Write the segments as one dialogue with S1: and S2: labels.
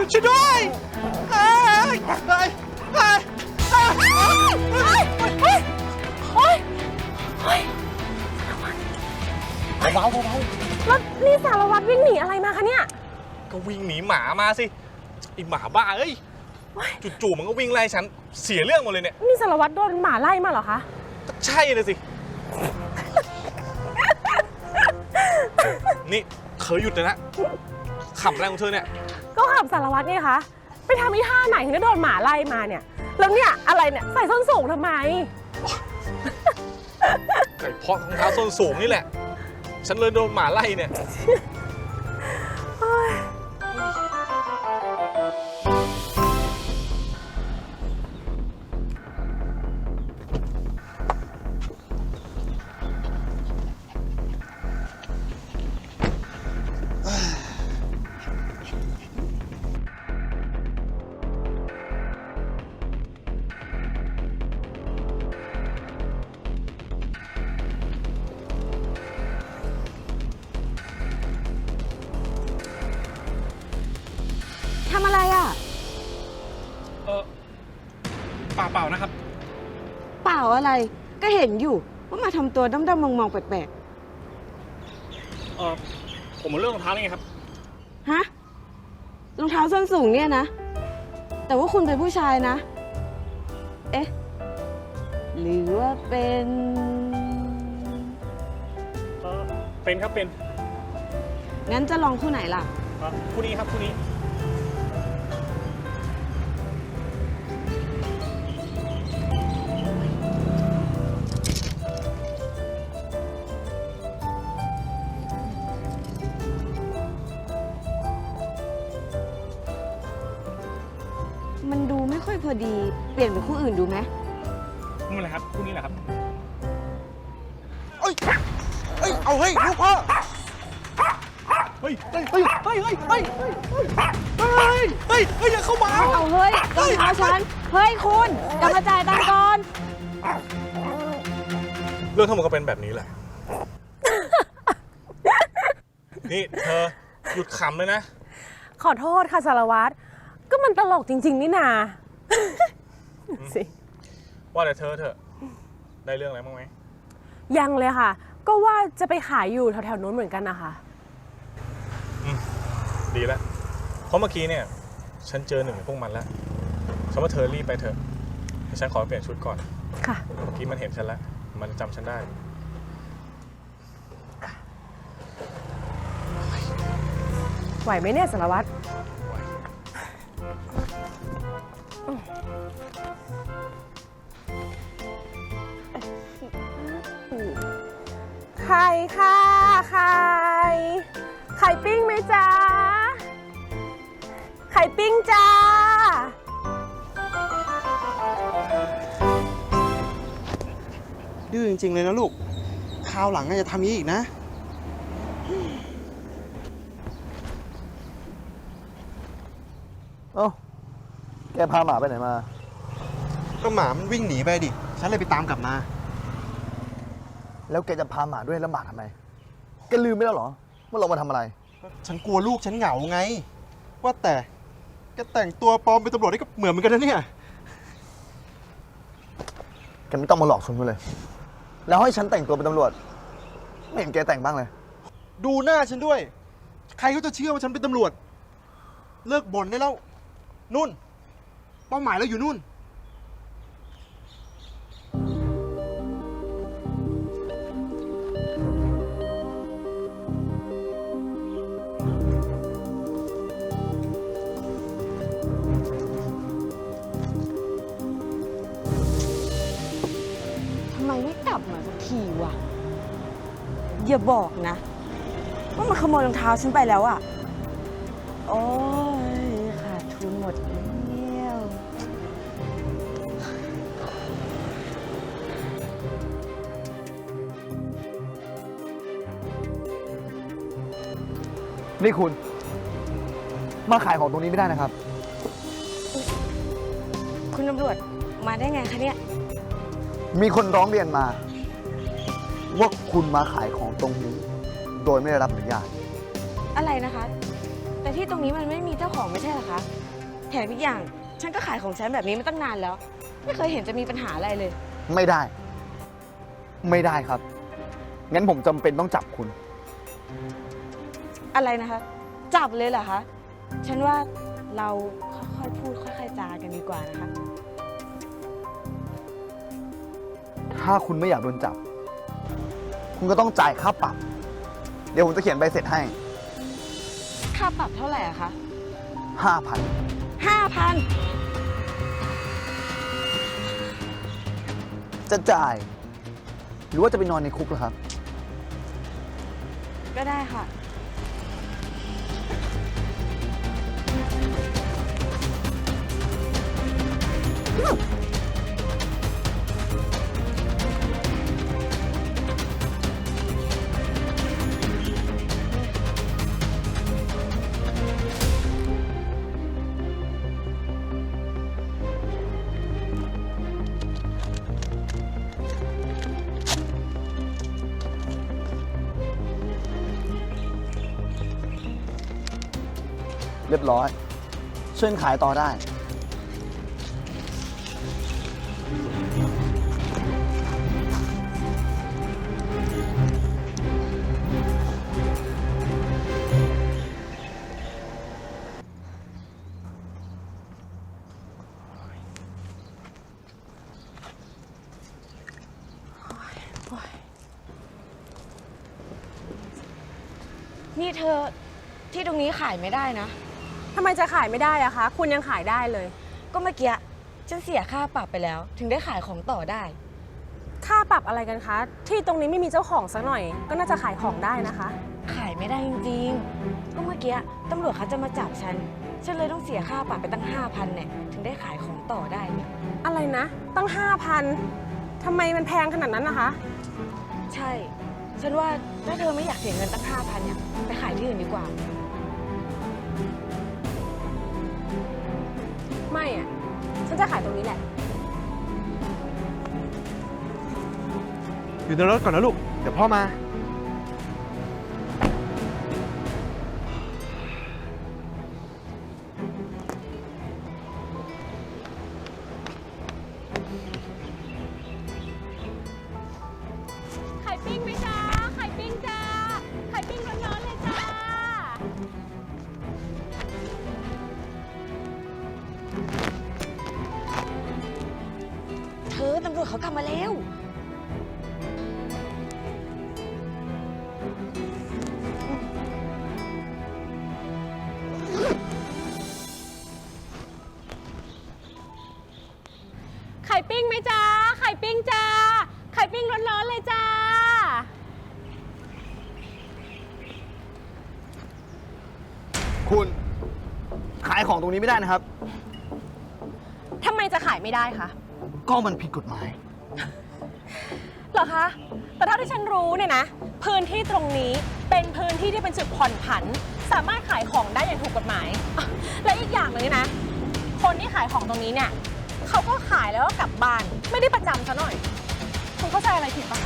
S1: ช่วยด้วยเฮ้ยเฮ้ยเฮ้ยเบาๆ
S2: แล้วนี่สารวัตรวิ่งหนีอะไรมาคะเนี่ย
S1: ก็วิ่งหนีหมามาสิไอหมาบ้าเอ้ยจู่ๆมันก็วิ่งไล่ฉันเสียเรื่องหมดเลยเนี่ย
S2: นี่สารวัตรโดนหมาไล่มาเหรอคะ
S1: ใช่เลยสิ นี่เธอหยุดเลยนะขับอะไรของเธอเนี่ย
S2: ก็ขับสารวัตรนี่คะไปทำอีท่าไหนถึงได้โดนหมาไล่มาเนี่ย แล้วเนี่ยอะไรเนี่ยใส่ส้นสูงทำไม
S1: ไก่เพาะรองเท้าส้นสูงนี่แหละ ฉันเลยโดนหมาไล่เนี่ย
S3: ทำอะไรอ่ะ
S1: เปล่านะครับ
S3: เปล่าอะไรก็เห็นอยู่ว่ามาทำตัวด้อมๆมองๆแปลก
S1: ผมมาเรื่องรองเท้านี่ไงครับ
S3: ๆฮะรองเท้าส้นสูงเนี่ยนะ แต่ว่าคุณเป็นผู้ชายนะ เอ๊ะ หรือว่าเป็น
S1: เป็นครับเป็น
S3: งั้นจะลองคู่ไหนล่ะ
S1: คู่นี้ครับคู่นี้
S3: มันดูไม่ค่อยพอดี เปลี่ยนเป็นคู่อื่นดูไหม
S1: นี่แหละครับคู่นี้แหละครับ
S4: เอ้ยเอาเฮ้ยลูกพ่อ
S1: เฮ้ยอย่าเข้ามา
S3: เอาเฮ้ยรองเท้าฉัน เฮ้ยคุณกลับมาจ่ายตังค์ก่อน
S1: เรื่องทั้งหมดก็เป็นแบบนี้แหละ นี่เธอหยุดขำเลยนะ
S2: ขอโทษค่ะสารวัตรก็มันตลกจริงๆนี่นา สิ
S1: ว่าแต่เธอเถอะได้เรื่องอะไรบ้างไหม
S2: ยังเลยค่ะ ก็ว่าจะไปขายอยู่แถวๆนู้นเหมือนกันนะคะ
S1: ดีแล้ว เพราะเมื่อกี้เนี่ยฉันเจอหนึ่งในพวกมันแล้วฉันว่าเธอรีบไปเถอะเดี๋ยวฉันขอเปลี่ยนชุดก่อน
S2: ค่ะ
S1: เมื่อกี้มันเห็นฉันแล้ว มันจำฉันได้
S2: ไหวไหมเนี่ยสารวัตรไข่ค่ะไข่ปิ้งไหมจ๊ะไข่ปิ้งจ้า
S4: ดื้อจริงๆเลยนะลูกคราวหลังน่าจะทำนี้อีกนะ
S5: เอ้า แกพาหมาไปไหนมา
S4: ก็หมามันวิ่งหนีไปดิ ฉันเลยไปตามกลับมา
S5: แล้วแกจะพาหมาด้วยแล้วหมาทำไม แกลืมไปแล้วเหรอว่าเรามาทำอะไร
S4: ฉันกลัวลูกฉันเหงาไง ว่าแต่แกแต่งตัวปลอมเป็นตำรวจนี่ก็เหมือนกันนะเนี่ย
S5: แกไม่ต้องมาหลอกฉันเลย แล้วให้ฉันแต่งตัวเป็นตำรวจ ไม่เห็นแกแต่งบ้างเลย
S4: ดูหน้าฉันด้วย ใครเขาจะเชื่อว่าฉันเป็นตำรวจ เลิกบ่นได้แล้ว นุ่น เป้าหมายเราอยู่นู่น
S3: ทำไมไม่กลับมาสักทีวะ อย่าบอกนะว่ามันขโมยรองเท้าฉันไปแล้วอะโอ้ยขาดทุนหมดแล้ว
S5: นี่คุณ มาขายของตรงนี้ไม่ได้นะครับ
S3: คุณตำรวจมาได้ไงคะเนี่ย
S5: มีคนร้องเรียนมา ว่าคุณมาขายของตรงนี้ โดยไม่ได้รับอนุญาต
S3: อะไรนะคะ แต่แต่ที่ตรงนี้มันไม่มีเจ้าของไม่ใช่เหรอคะ แถมอีกอย่างฉันก็ขายของฉันแบบนี้มาตั้งนานแล้ว ไม่เคยเห็นจะมีปัญหาอะไรเลย
S5: ไม่ได้ ไม่ได้ครับ งั้นผมจำเป็นต้องจับคุณ
S3: อะไรนะคะ จับเลยเหรอคะ ฉันว่าเราค่อยๆพูดค่อยๆจากันดีกว่านะคะ
S5: ถ้าคุณไม่อยากโดนจับ คุณก็ต้องจ่ายค่าปรับ เดี๋ยวผมจะเขียนใบเสร็จให้
S3: ค่าปรับเท่าไหร่อะคะ
S5: 5,000
S3: 5,000
S5: จะจ่าย หรือว่าจะไปนอนในคุกเหรอครับ
S3: ก็ได้ค่ะ
S5: เรียบร้อย เชิญขายต่อได้
S3: นี่เธอที่ตรงนี้ขายไม่ได้นะ
S2: ทำไมจะขายไม่ได้อะคะ คุณยังขายได้เลย
S3: ก็เมื่อกี้ฉันเสียค่าปรับไปแล้ว ถึงได้ขายของต่อได้
S2: ค่าปรับอะไรกันคะ ที่ตรงนี้ไม่มีเจ้าของสักหน่อย ก็น่าจะขายของได้นะคะ
S3: ขายไม่ได้จริงๆ ก็เมื่อกี้ตำรวจเขาจะมาจับฉัน ฉันเลยต้องเสียค่าปรับไปตั้ง 5,000เนี่ย ถึงได้ขายของต่อได้เนี่ย
S2: อะไรนะ ตั้ง 5,000ทำไมมันแพงขนาดนั้นนะคะ
S3: ใช่ ฉันว่าถ้าเธอไม่อยากเสียเงินตั้ง 5,000เนี่ย ไปขายที่อื่นดีกว่า
S2: ไม่อะฉันจะขายตรงนี้แหละ
S4: อยู่ในรถก่อนนะลูก เดี๋ยวพ่อมา
S2: ไข่ปิ้งไหมจ๊ะ ไข่ปิ้งจ้า ไข่ปิ้งร้อนๆเลยจ้า
S3: เธอตำรวจเขากลับมาแล้ว
S2: ไข่ปิ้งไหมจ๊ะ ไข่ปิ้งจ้า ไข่ปิ้งร้อนๆเลยจ้า
S5: คุณ ขายของตรงนี้ไม่ได้นะครับ
S2: ทำไมจะขายไม่ได้คะ
S5: ก็มันผิดกฎหมาย
S2: เหรอคะ แต่เท่าที่ฉันรู้เนี่ยนะ พื้นที่ตรงนี้เป็นพื้นที่ที่เป็นจุดผ่อนผัน สามารถขายของได้อย่างถูกกฎหมายอ่ะและอีกอย่างหนึ่งนะ คนที่ขายของตรงนี้เนี่ยเขาก็ขายแล้วก็กลับบ้าน ไม่ได้ประจำซะหน่อย คุณเข้าใจอะไรผิดปะคะ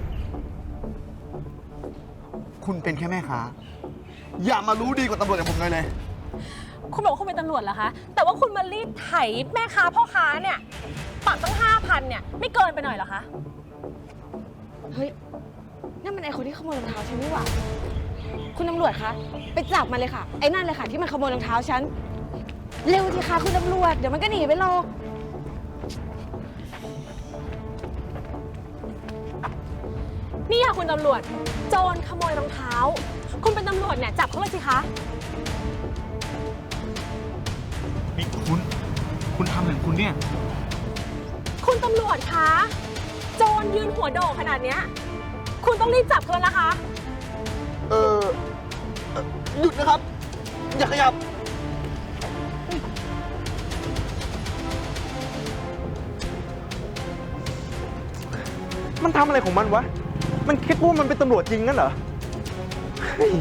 S5: คุณเป็นแค่แม่ค้า อย่ามารู้ดีกว่าตำรวจอย่างผมเลย
S2: คุณบอกว่าคุณเป็นตำรวจเหรอคะ แต่ว่าคุณมารีดไถแม่ค้าพ่อค้าเนี่ยปรับตั้ง 5,000เนี่ยไม่เกินไปหน่อยเหรอคะ
S3: เฮ้ย นั่นมันไอคนที่ขโมยรองเท้าฉันนี่หว่า คุณตำรวจคะ ไปจับมันเลยค่ะ ไอ้นั่นเลยค่ะที่มันขโมยรองเท้าฉัน เร็วสิคะคุณตำรวจ เดี๋ยวมันก็หนีไปหรอก
S2: นี่ค่ะคุณตำรวจ โจรขโมยรองเท้า คุณเป็นตำรวจเนี่ยจับเขาเลยสิคะ
S1: นี่คุณทำอย่างคุณเนี่ย
S2: คุณตำรวจคะ โจรยืนหัวโดกขนาดเนี้ยคุณต้องรีบจับเขาแล้วนะคะ
S5: หยุดนะครับ อย่าขยับ
S4: มันทำอะไรของมันวะ มันคิดว่ามันเป็นตำรวจจริงงั้นเหรอ เฮ้ย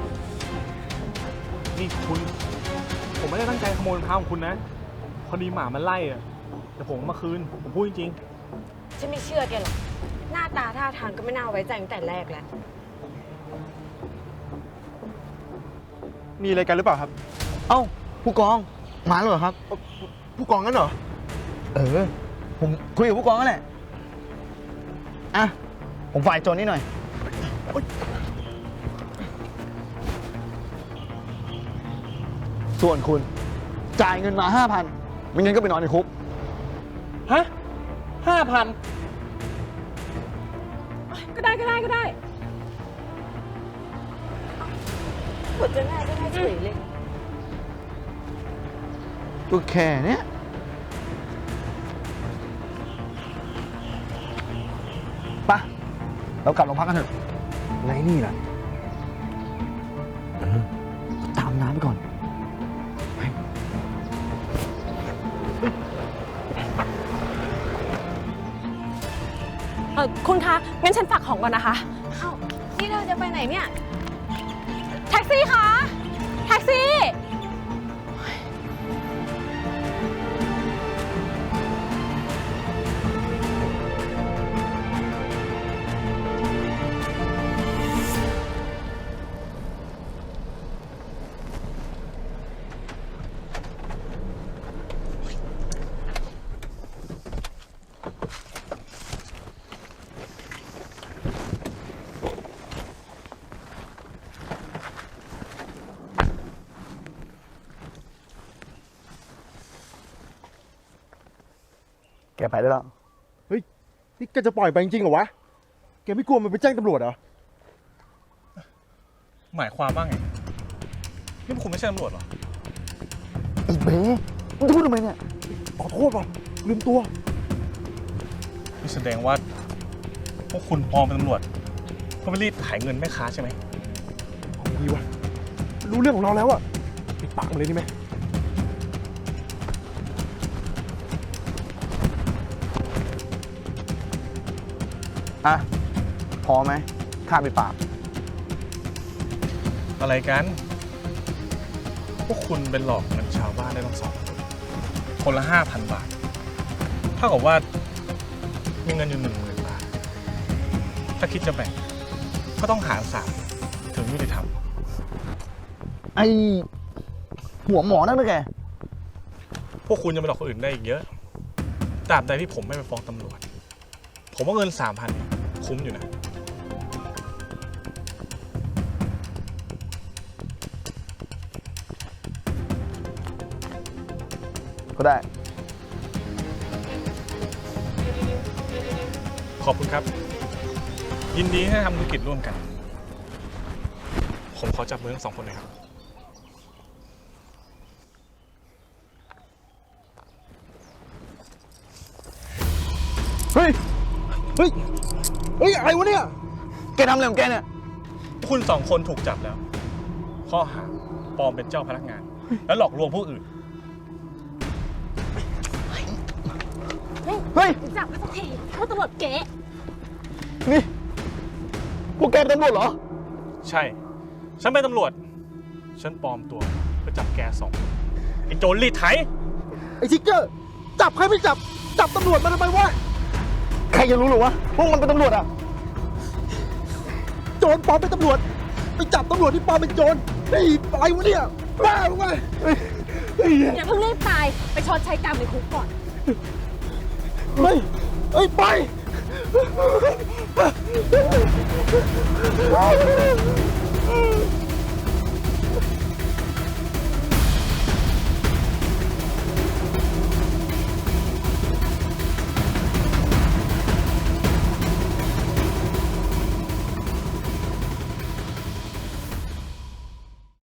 S1: นี่ผมไม่ได้ตั้งใจขโมยรองเท้าของคุณนะ พอดีหมามันไล่อะเดี๋ยวผมเอามาคืน ผมพูดจริง
S3: ฉันไม่เชื่อแกหรอก หน้าตาท่าทางก็ไม่น่าไว้ใจตั้งแต่แรกแล้ว
S4: มีอะไรกันหรือเปล่าครับ
S5: เอ้า ผู้กอง มาแล้วเหรอครับ
S4: ผู้กองงั้นเหรอ
S5: ผมคุยกับผู้กองนั่นแหละ อ่ะ ผมฝ่ายโจรนี่หน่อย ส่วนคุณ จ่ายเงินมา 5,000 ไม่งั้นก็ไปนอนในคุก
S1: ฮะ5,000
S2: ก็ได้ก็ได้ก็ได้
S3: ปวดจะง่ายก็ง่ายเฉยเลย
S5: ก็แค่เนี้ยปะเรากลับโรงพักกันเถอะไงนี่ล่ะตามน้ำไปก่อน
S2: คุณคะ งั้นฉันฝากของก่อนนะคะ
S3: เอ้า นี่เราจะไปไหนเนี่ย
S2: แท็กซี่คะ แท็กซี่
S5: แกไปได้แล้ว
S4: เฮ้ย นี่แกจะปล่อยไปจริงๆเหรอวะ แกไม่กลัวมันไปแจ้งตำรวจเหรอ
S1: หมายความว่าไง นี่พวกคุณไม่ใช่ตำรวจเหรอ
S5: ไอ้เบ้มึงจะพูดทำไมเนี่ย
S4: ขอโทษว่ะลืมตัว
S1: นี่แสดงว่า พวกคุณปลอมเป็นตำรวจเพื่อไปรีดไถเงินแม่ค้าใช่ไหม
S4: เอาดีวะ รู้เรื่องของเราแล้วอะปิดปากมันเลยดีไหม
S5: อ่ะ พอไหมค่าไปดปาก
S1: อะไรกัน พวกคุณเป็นหลอกเงินชาวบ้านได้ทั้ง2 คนละ 5,000 บาท เท่ากับว่ามีเงินอยู่ 10,000 บาท ถ้าคิดจะแบ่ง ก็ต้องหาร3ถึงยุติธรรม
S5: ไอ้หัวหมอนั่นนะแก
S1: พวกคุณยังไปหลอกคนอื่นได้อีกเยอะตราบใดที่ผมไม่ไปฟ้องตำรวจ ผมว่าเงิน 3,000เนี่ยคุ้มอยู่นะ
S5: ก็ได้
S1: ขอบคุณครับ ยินดีที่ได้ทำธุรกิจร่วมกัน ผมขอจับมือทั้ง2 คนหน่อยครับ
S4: เฮ้ย เฮ้ย เฮ้ย อะไรวะเนี่ย
S5: แกทำอะไรของแกเนี่ย
S1: คุณ2 คนถูกจับแล้ว ข้อหาปลอมเป็นเจ้าพนักงาน และหลอกลวงผู้อื่น
S5: เฮ้ย
S2: จับมาสักทีเพราะตำรวจเก๋
S5: นี่ พวกแกเป็นตำรวจเหรอ
S1: ใช่ ฉันเป็นตำรวจ ฉันปลอมตัวเพื่อจับแก2 คนไอ้โจรรีดไถ
S4: ไอ้ทิกเกอร์ จับใครไม่จับ จับตำรวจมาทำไมวะ
S5: ใครจะรู้หรอวะ พวกมันเป็นตำรวจอ่ะ
S4: โจรปลอมเป็นตำรวจ ไปจับตำรวจที่ปลอมเป็นโจรนี่อะไรวะเนี่ย บ้าหรือไงเฮ้ย
S2: อย่าเพิ่งรีบตาย ไปชดใช้กรรมในคุกก่อน
S4: เฮ้ย เฮ้ย ไป
S5: ไ